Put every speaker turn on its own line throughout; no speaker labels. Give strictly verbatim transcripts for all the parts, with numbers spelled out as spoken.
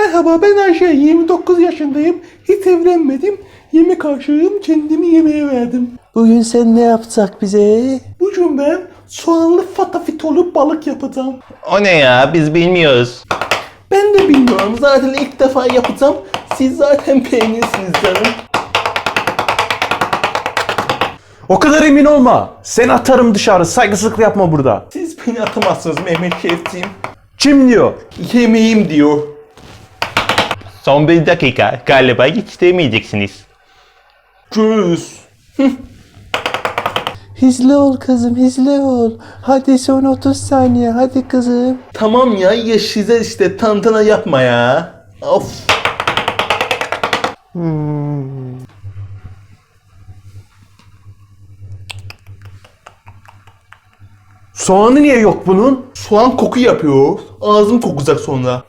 Merhaba, ben Ayşe, yirmi dokuz yaşındayım, hiç evlenmedim, yemek aşığım, kendimi yemeğe verdim.
Bugün sen ne yapacak bize?
Bugün ben soğanlı fatafitolu balık yapacağım.
O ne ya? Biz bilmiyoruz.
Ben de bilmiyorum, zaten ilk defa yapacağım, siz zaten beğenirsiniz canım.
O kadar emin olma. Seni atarım dışarı. Saygısızlık yapma burada.
Siz beni atamazsınız Mehmet Şefciğim.
Kim diyor?
Yemeğim diyor.
Son bir dakika. Galiba hiç demeyeceksiniz.
Göz.
Hızlı ol kızım, hızlı ol. Hadi son otuz saniye, hadi kızım.
Tamam ya, ya size işte tantana yapma ya. Of.
Hmm. Soğanı niye yok bunun?
Soğan koku yapıyor. Ağzım kokacak sonra.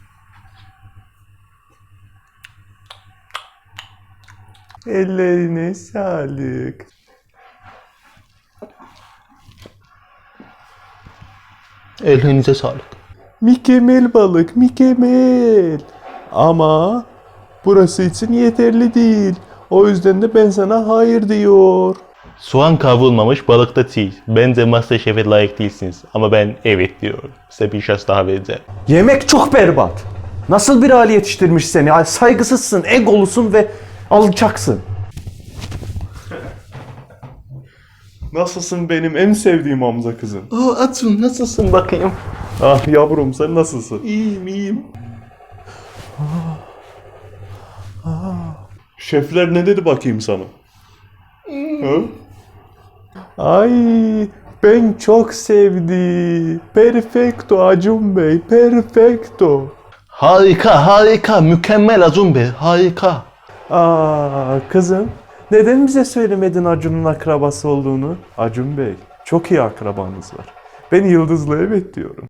Ellerine sağlık.
Ellerinize sağlık.
Mükemmel balık, mükemmel. Ama burası için yeterli değil. O yüzden de ben sana hayır diyor.
Soğan kavrulmamış balık da değil. Bence MasterChef'e layık değilsiniz. Ama ben evet diyorum. Size bir şans daha vereceğim.
Yemek çok berbat. Nasıl bir aile yetiştirmiş seni? Ay, saygısızsın, egolusun ve alçaksın. Nasılsın benim en sevdiğim Hamza kızım?
Aa Atun, nasılsın bakayım?
Ah yavrum, sen nasılsın?
İyiyim iyiyim.
Şefler ne dedi bakayım sana? Ha? Ay ben çok sevdim. Perfecto Acun Bey, perfecto.
Harika harika, mükemmel Acun Bey, harika.
Aa kızım, neden bize söylemedin Acun'un akrabası olduğunu? Acun Bey, çok iyi akrabanız var. Ben Yıldız'la evet diyorum.